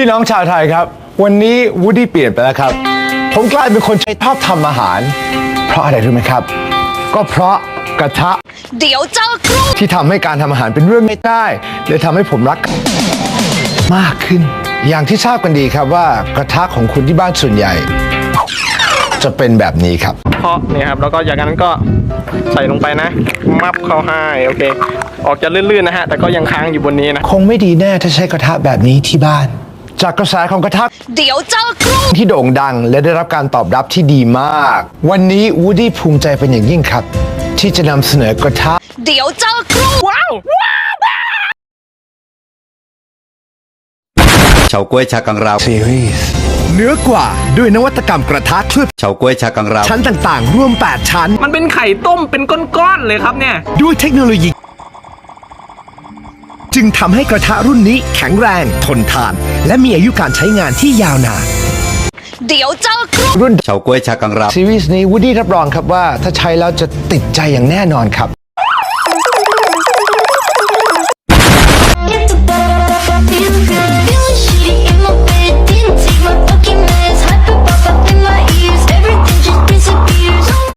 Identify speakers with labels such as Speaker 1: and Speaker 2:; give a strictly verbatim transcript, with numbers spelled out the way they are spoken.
Speaker 1: พี่น้องชาวไทยครับวันนี้วูดดี้เปลี่ยนไปแล้วครับผมกลายเป็นคนชอบทำอาหารเพราะอะไรรู้ไหมครับก็เพราะกระทะ
Speaker 2: เดี๋ยวเจอครู
Speaker 1: ที่ทำให้การทำอาหารเป็นเรื่องไม่ได้เลยทำให้ผมรักมากขึ้นอย่างที่ทราบกันดีครับว่ากระทะของคุณที่บ้านส่วนใหญ่จะเป็นแบบนี้ครับ
Speaker 3: เพาะเนี่ยครับแล้วก็จากนั้นก็ใส่ลงไปนะมับเข้าให้โอเคออกจะลื่นๆนะฮะแต่ก็ยังค้างอยู่บนนี้นะ
Speaker 1: คงไม่ดีแน่ถ้าใช้กระทะแบบนี้ที่บ้านจากกระแสของกระทะ
Speaker 2: เดี๋ยวเจอครู
Speaker 1: ที่โด่งดังและได้รับการตอบรับที่ดีมากวันนี้วูดดี้ภูมิใจเป็นอย่างยิ่งครับที่จะนำเสนอกระทะ
Speaker 2: เดี๋ยวเจอครูว้าว
Speaker 4: เฉาก๊วยชากังราว
Speaker 1: ซีรีส์เนื้อกว่าด้วยนวัตกรรมกระทะเคลือบ
Speaker 4: เฉาก๊วยชากังราว
Speaker 1: ชั้นต่างๆรวมแปดชั้น
Speaker 3: มันเป็นไข่ต้มเป็นก้อนๆเลยครับเนี่ย
Speaker 1: ด้วยเทคโนโลยีจึงทำให้กระทะรุ่นนี้แข็งแรงทนทานและมีอายุการใช้งานที่ยาวนาน
Speaker 2: เดี๋ยวเจอครู
Speaker 1: รุ่น
Speaker 4: เฉาก๊วยชากังราว
Speaker 1: ซีรีส์นี้วูดดี้รับรองครับว่าถ้าใช้แล้วจะติดใจอย่างแน่นอนครับ